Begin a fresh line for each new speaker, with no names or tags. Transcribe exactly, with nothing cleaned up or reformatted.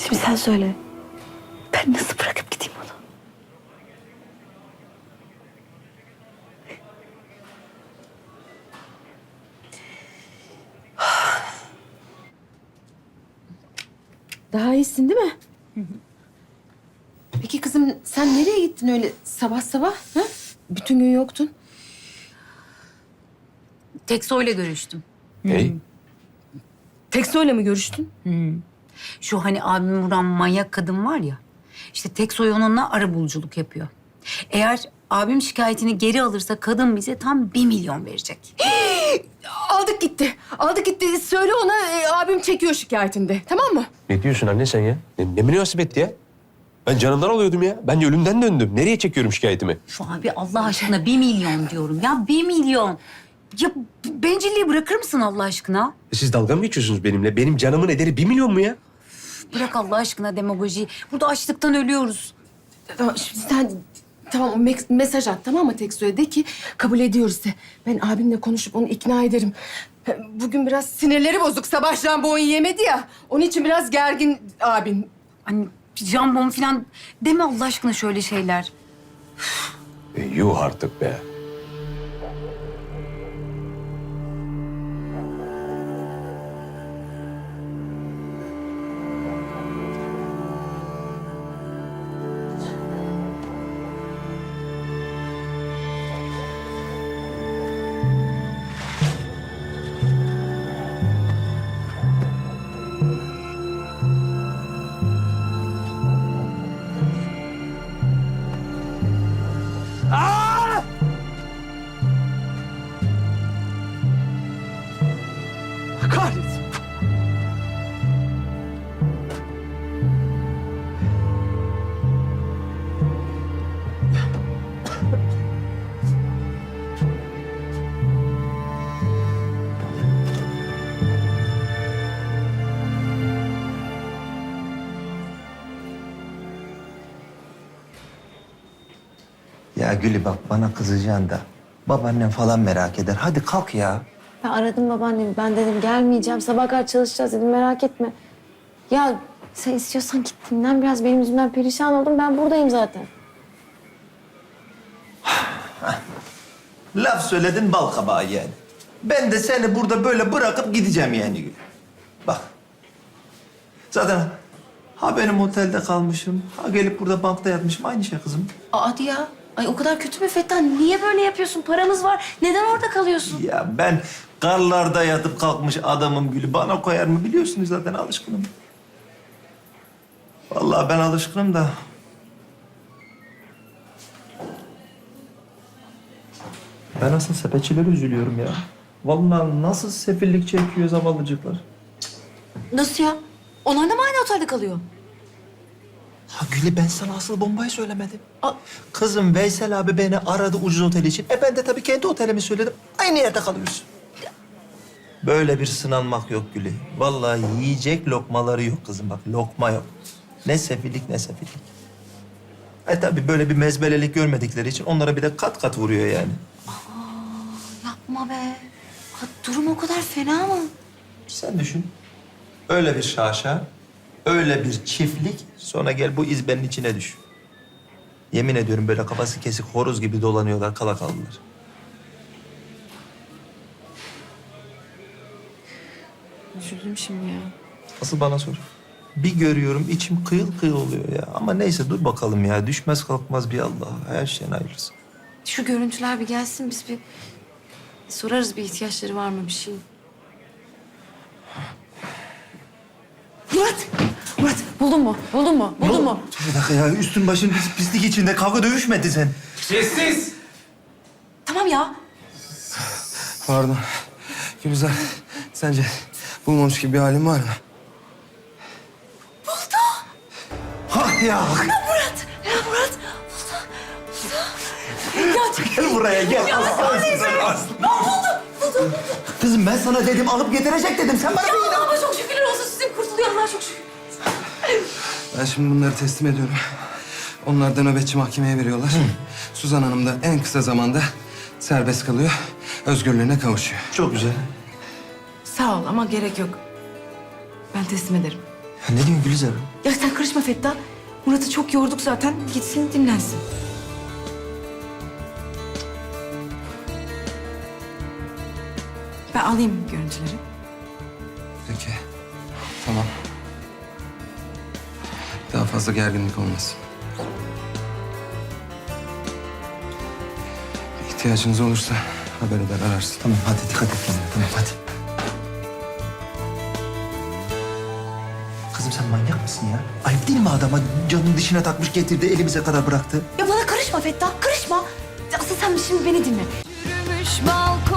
Şimdi sen söyle. Ben nasıl bırakıp gideyim onu?
Daha iyisin değil mi? Peki kızım sen nereye gittin öyle sabah sabah? Ha? Bütün gün yoktun.
Tekso'yla görüştüm.
Hey.
Tekso'yla mı görüştün?
Şu hani abim vuran manyak kadın var ya. İşte Teksoy onunla arabuluculuk yapıyor. Eğer abim şikayetini geri alırsa kadın bize tam bir milyon verecek.
Aldık gitti. Aldık gitti. Söyle ona e, abim çekiyor şikayetinde. Tamam mı?
Ne diyorsun anne sen ya? Ne, ne münasebet ya? Ben canımdan oluyordum ya. Ben ölümden döndüm. Nereye çekiyorum şikayetimi?
Şu abi Allah aşkına bir milyon diyorum ya bir milyon. Ya bencilliği bırakır mısın Allah aşkına?
E Siz dalga mı geçiyorsunuz benimle? Benim canımın ederi bir milyon mu ya?
Bırak Allah aşkına demagojiyi. Burada açlıktan ölüyoruz.
Tamam, şimdi sen tamam me- mesaj at tamam mı Tekso'ya? De ki kabul ediyoruz de. Ben abimle konuşup onu ikna ederim. Bugün biraz sinirleri bozuk. Sabah jambon yemedi ya. Onun için biraz gergin abim.
Hani jambon falan deme Allah aşkına şöyle şeyler.
E, yuh artık be.
Kahretsin.
Ya Gülü bak bana kızacaksın da babaannem falan merak eder. Hadi kalk ya.
Ben aradım babaannemi. Ben dedim gelmeyeceğim. Sabah kadar çalışacağız dedim. Merak etme. Ya sen istiyorsan git dinlen biraz. Benim yüzümden perişan oldum. Ben buradayım zaten.
Laf söyledin bal kabağı yani. Ben de seni burada böyle bırakıp gideceğim yani Gül. Bak. Zaten ha benim otelde kalmışım, ha gelip burada bankta yatmışım. Aynı şey kızım.
Aa, hadi ya. Ay o kadar kötü mü Fettah? Niye böyle yapıyorsun? Paramız var. Neden orada kalıyorsun?
Ya ben karlarda yatıp kalkmış adamım Gülü. Bana koyar mı biliyorsunuz zaten alışkınım. Vallahi ben alışkınım da. Ben asıl sepetçilere üzülüyorum ya. Vallahi nasıl sefillik çekiyor zavallıcıklar.
Nasıl ya? Onlar da mı aynı otelde kalıyor?
Ha Gülü ben sana asıl bombayı söylemedim.
Aa.
Kızım Veysel abi beni aradı ucuz otel için. E ben de tabii kendi otelimi söyledim. Aynı yerde kalıyoruz. Böyle bir sınanmak yok Gülü. Vallahi yiyecek lokmaları yok kızım bak. Lokma yok. Ne sefillik ne sefillik. E tabii böyle bir mezbelelik görmedikleri için onlara bir de kat kat vuruyor yani.
Yapma be. Ha, durum o kadar fena mı?
Sen düşün. Öyle bir şaşa, öyle bir çiftlik, sonra gel bu izbenin içine düş. Yemin ediyorum böyle kafası kesik horoz gibi dolanıyorlar, kala kaldılar.
Üzüldüm şimdi ya.
Asıl bana sor. Bir görüyorum içim kıyıl kıyıl oluyor ya. Ama neyse dur bakalım ya. Düşmez kalkmaz bir Allah. Her şeyin hayırlısı.
Şu görüntüler bir gelsin. Biz bir sorarız bir ihtiyaçları var mı bir şey.
Murat! Murat buldun mu? Buldun mu? Buldun mu?
Bir dakika ya üstün başın pis, pislik içinde kavga dövüşmedi sen.
Sessiz!
Tamam ya.
Pardon. Gülizar, sence bulmamış gibi bir halin var mı?
Hah ya.
Ya Murat. Buldu. Buldu. Ya çok
Gel buraya gel. Ya buldum. Kızım ben sana dedim alıp getirecek dedim. Sen bana bir inan.
ama çok şükürler olsun sizin kurtuluyor Allah çok şükür.
Ben şimdi bunları teslim ediyorum. Onlar da nöbetçi mahkemeye veriyorlar. Suzan Hanım da en kısa zamanda serbest kalıyor. Özgürlüğüne kavuşuyor.
Çok güzel.
Sağ ol ama gerek yok. Ben teslim ederim.
Ya ne diyorsun Gülizar?
Ya sen karışma Fettah. Murat'ı çok yorduk zaten. Gitsin dinlensin. Ben alayım görüntüleri.
Peki. Tamam. Daha fazla gerginlik olmasın. İhtiyacınız olursa haber eder ararsın.
Tamam hadi dikkat et kendine. Tamam hadi. Kızım sen manyak mısın ya? Ayıp değil mi adama canın dişine takmış getirdi elimize kadar bıraktı?
Ya bana karışma Fettah, karışma. Asıl sen şimdi beni dinle.
Yürümüş balkon